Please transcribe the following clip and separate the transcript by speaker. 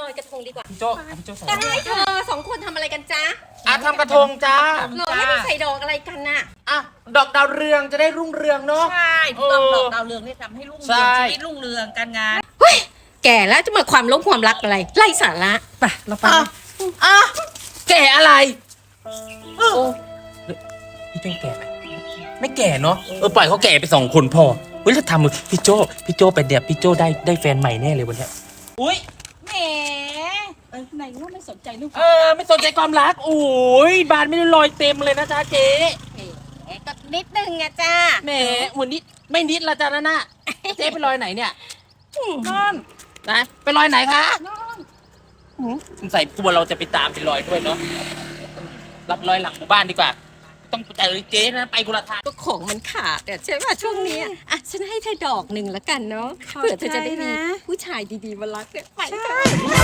Speaker 1: อยกระทงดีกว่า
Speaker 2: พี่โจพี่โจใส่
Speaker 1: ได้เธอสองคนทำอะไรกันจ๊ะ
Speaker 2: ทำกระทงจ้า
Speaker 1: หรอไม่ได้ใส่ดอกอะไรกันน่ะ
Speaker 2: ดอกดาวเรืองจะได้รุ่งเรืองเนาะ
Speaker 3: ใช่ถูกต้องดอกดาวเรืองนี่ทำให้รุ่ง
Speaker 2: ใช่
Speaker 3: เรืองชีวิตรุ่งเรืองการงาน
Speaker 1: เฮ้ยแก่แล้วจะมาความลบความรักอะไรไร้สาระไปเราไป
Speaker 2: แก่อะไรพี่โจแก่ไหมไม่แก่เนาะปล่อยเขาแก่ไป2 คนพอเฮ้ยแล้วทำพี่โจไปเดี๋ยวพี่โจได้แฟนใหม่แน่เลยวันเนี้ยอุ้ย
Speaker 3: แหมไหนว่าไม่สนใจลูก
Speaker 2: ไม่สนใจความรักโอ้ยบานไม่ได้ลอยเต็มเลยนะจ๊ะเจ๊
Speaker 1: ก็นิดนึงอะจ้า
Speaker 2: แหมวันนี้ไม่นิดละจ้ะนะเจ๊ไปลอยไหนเนี่ย
Speaker 3: นอน
Speaker 2: นะไปลอยไหนคะ
Speaker 3: นอน
Speaker 2: สงสัยตัวเราจะไปตามไปลอยด้วยเนาะรับลอยหลังหมู่บ้านดีกว่าต้องเจอเจ๊นะไปคนละทาง
Speaker 1: ก็ของมันขาดอะใช่ป่ะช่วงนี้อ่ะฉันให้เธอดอกหนึ่งละกันเนาะเผื่อเธอจะได้มีผู้ชายดีๆมารักเนี่ยไปเถอะ